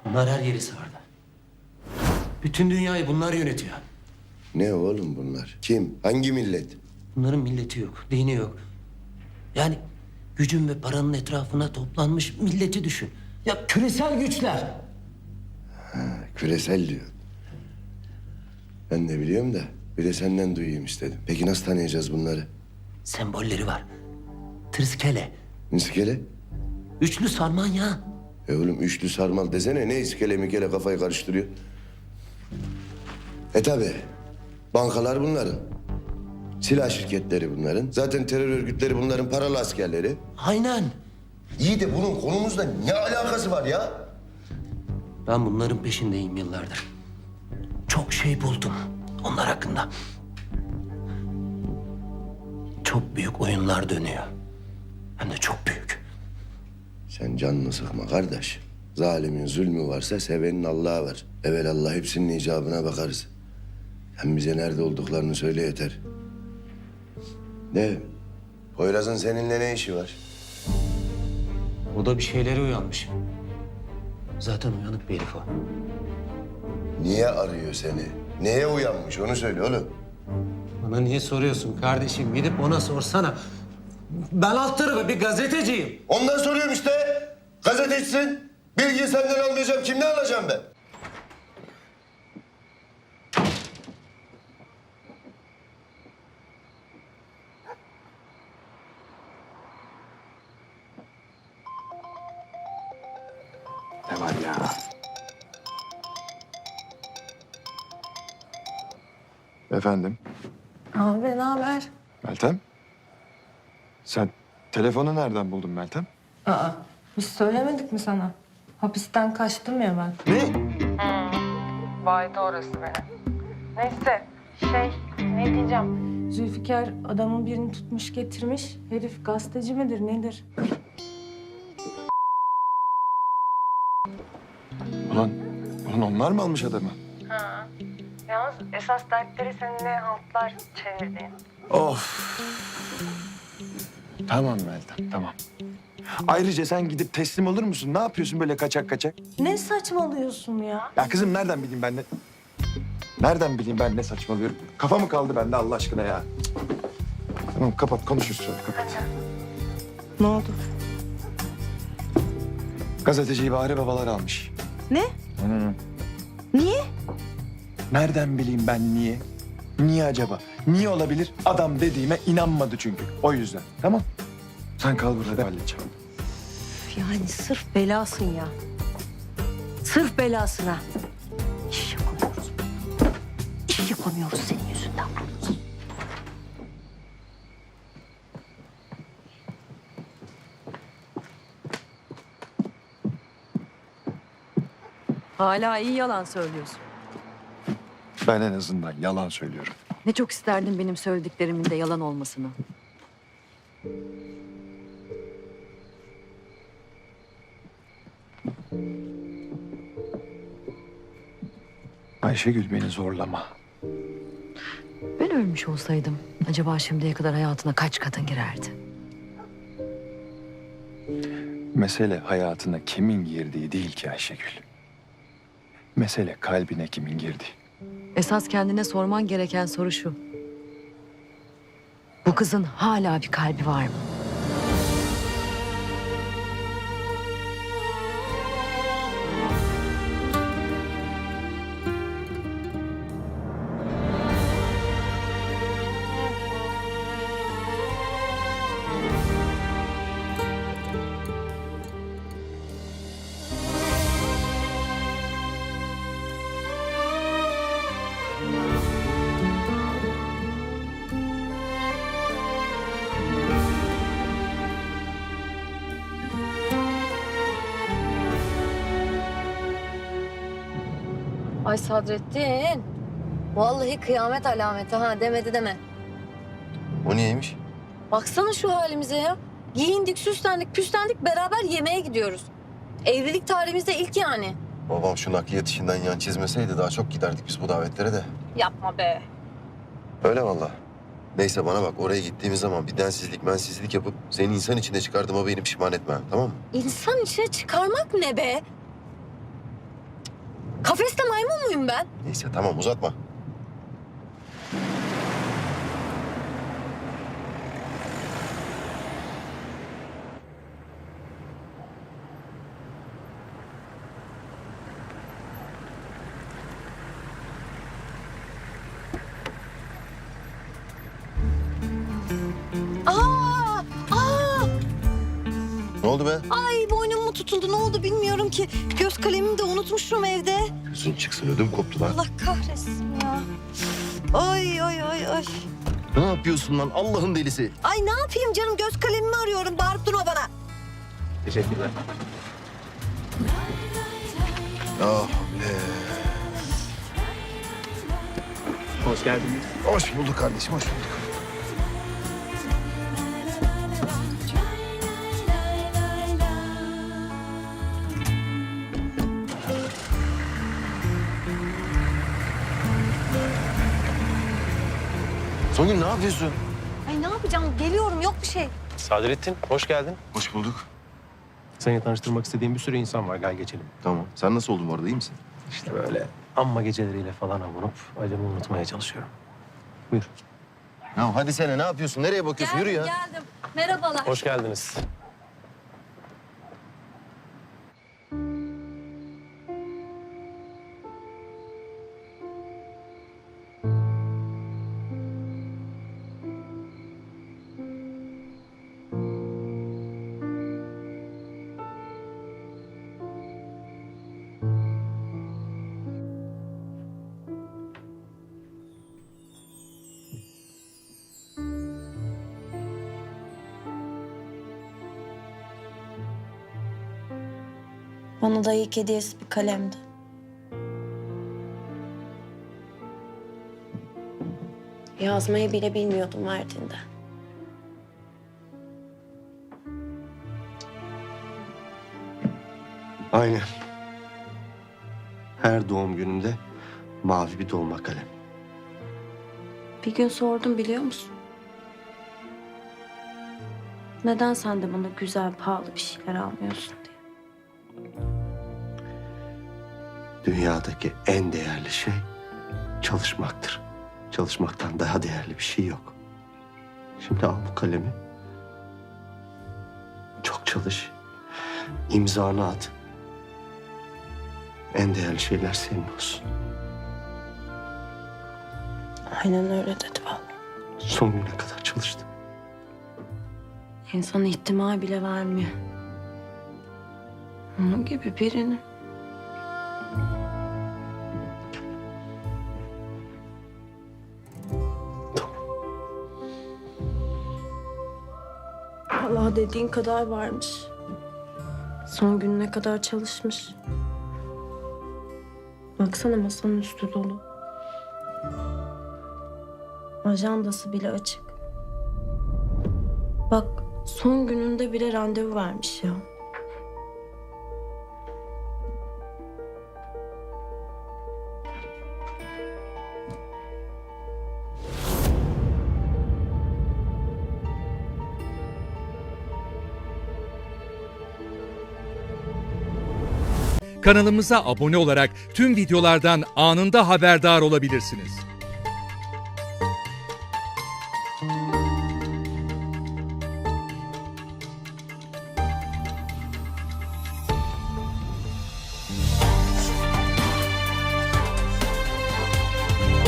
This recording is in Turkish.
Bunlar her yeri sardı. Bütün dünyayı bunlar yönetiyor. Ne oğlum bunlar? Kim? Hangi millet? Bunların milleti yok, dini yok. Yani gücün ve paranın etrafına toplanmış milleti düşün. Ya küresel güçler. Küresel diyor. Ben de biliyorum da bir de senden duyayım istedim. Peki nasıl tanıyacağız bunları? Sembolleri var. Tırskele, İskele? üçlü sarmanya. Oğlum üçlü sarmal desene. Ne iskele mikele kafayı karıştırıyor? Tabi. Bankalar bunların. Silah şirketleri bunların. Zaten terör örgütleri bunların paralı askerleri. Aynen. İyi de bunun konumuzla ne alakası var ya? Ben bunların peşindeyim yıllardır. Çok şey buldum onlar hakkında. Çok büyük oyunlar dönüyor. Hem de çok büyük. Sen canını sıkma kardeş. Zalimin zulmü varsa sevenin Allah'ı var. Evelallah hepsinin icabına bakarız. Hem bize nerede olduklarını söyle yeter. Ne? Poyraz'ın seninle ne işi var? O da bir şeylere uyanmış. Zaten uyanık bir herif o. Niye arıyor seni? Neye uyanmış onu söyle oğlum. Bana niye soruyorsun kardeşim? Gidip ona sorsana. Ben alt tarafı bir gazeteciyim. Ondan soruyorum işte. Gazetecisin. Bilgiyi senden almayacağım. Kimden alacağım ben? Ne var ya? Efendim, Abi ne haber? Meltem? Sen telefonu nereden buldun Meltem? Aa, biz söylemedik mi sana? Hapisten kaçtım ya ben. Ne? Baydı orası benim. Neyse, ne diyeceğim? Zülfikar adamın birini tutmuş getirmiş. Herif gazeteci midir nedir? Ulan onlar mı almış adamı? Yalnız esas dertleri seninle haltlar çevirdiğin. Of. Tamam Meltem, tamam. Ayrıca sen gidip teslim olur musun? Ne yapıyorsun böyle kaçak kaçak? Ne saçmalıyorsun ya? Ya kızım nereden bileyim ben ne... Nereden bileyim ben ne saçmalıyorum? Kafa mı kaldı bende Allah aşkına ya? Cık. Tamam kapat, konuşuruz sonra, kapat. Ne oldu? Gazeteciyi Bahri babalar almış. Ne? Niye? Nereden bileyim ben niye? Niye acaba? Niye olabilir? Adam dediğime inanmadı çünkü. O yüzden. Tamam. Sen kal burada, halledeceğim. Yani sırf belasın ya. Sırf belasına. İş yapamıyoruz. İş yapamıyoruz senin yüzünden. Hala iyi yalan söylüyorsun. Ben en azından yalan söylüyorum. Ne çok isterdim benim söylediklerimin de yalan olmasını. Ayşegül beni zorlama. Ben ölmüş olsaydım acaba şimdiye kadar hayatına kaç kadın girerdi? Mesele hayatına kimin girdiği değil ki Ayşegül. Mesele kalbine kimin girdiği. Esas kendine sorman gereken soru şu. Bu kızın hala bir kalbi var mı? Ay Sadrettin. Vallahi kıyamet alameti ha demedi deme. O niyeymiş? Baksana şu halimize ya. Giyindik, süslendik, püslendik beraber yemeğe gidiyoruz. Evlilik tarihimizde ilk yani. Babam şu nakliyat işinden yan çizmeseydi daha çok giderdik biz bu davetlere de. Yapma be. Öyle vallahi. Neyse bana bak oraya gittiğimiz zaman bir densizlik mensizlik yapıp seni insan içine çıkardığıma beni pişman etme tamam mı? İnsan içine çıkarmak ne be? Kafeste maymun muyum ben? Neyse tamam uzatma. Aa! Aa! Ne oldu be? Ay boynum mu tutuldu ne oldu bilmiyorum ki. Göz kalemimi de unutmuşum evde. Gözün çıksın ödüm koptu lan. Allah kahretsin ya. Ay ay ay ay. Ne yapıyorsun lan Allah'ın delisi? Ay ne yapayım canım göz kalemimi arıyorum bağırıp durma bana. Teşekkürler. Ah be. Hoş geldiniz. Hoş bulduk kardeşim hoş bulduk. Songül ne yapıyorsun? Ay ne yapacağım geliyorum yok bir şey. Sadrettin, hoş geldin. Hoş bulduk. Seni tanıştırmak istediğim bir sürü insan var. Gel geçelim. Tamam. Sen nasıl oldun bu arada iyi misin? İşte böyle amma geceleriyle falan avunup acımı unutmaya çalışıyorum. Buyur. Ya hadi sene ne yapıyorsun? Nereye bakıyorsun? Yürü ya. Geldim. Merhabalar. Hoş geldiniz. Bana da ilk hediyesi bir kalemdi. Yazmayı bile bilmiyordum verdiğinde. Aynen. Her doğum günümde mavi bir dolma kalem. Bir gün sordum biliyor musun? Neden sen de bana güzel, pahalı bir şeyler almıyorsun diye. Dünyadaki en değerli şey çalışmaktır. Çalışmaktan daha değerli bir şey yok. Şimdi al bu kalemi. Çok çalış. İmzanı at. En değerli şeyler senin olsun. Aynen öyle dedi baba. Son güne kadar çalıştım. İnsan ihtimal bile vermiyor. Onun gibi birini. Allah dediğin kadar varmış. Son gününe kadar çalışmış. Baksana masanın üstü dolu. Ajandası bile açık. Bak son gününde bile randevu vermiş ya. Kanalımıza abone olarak tüm videolardan anında haberdar olabilirsiniz.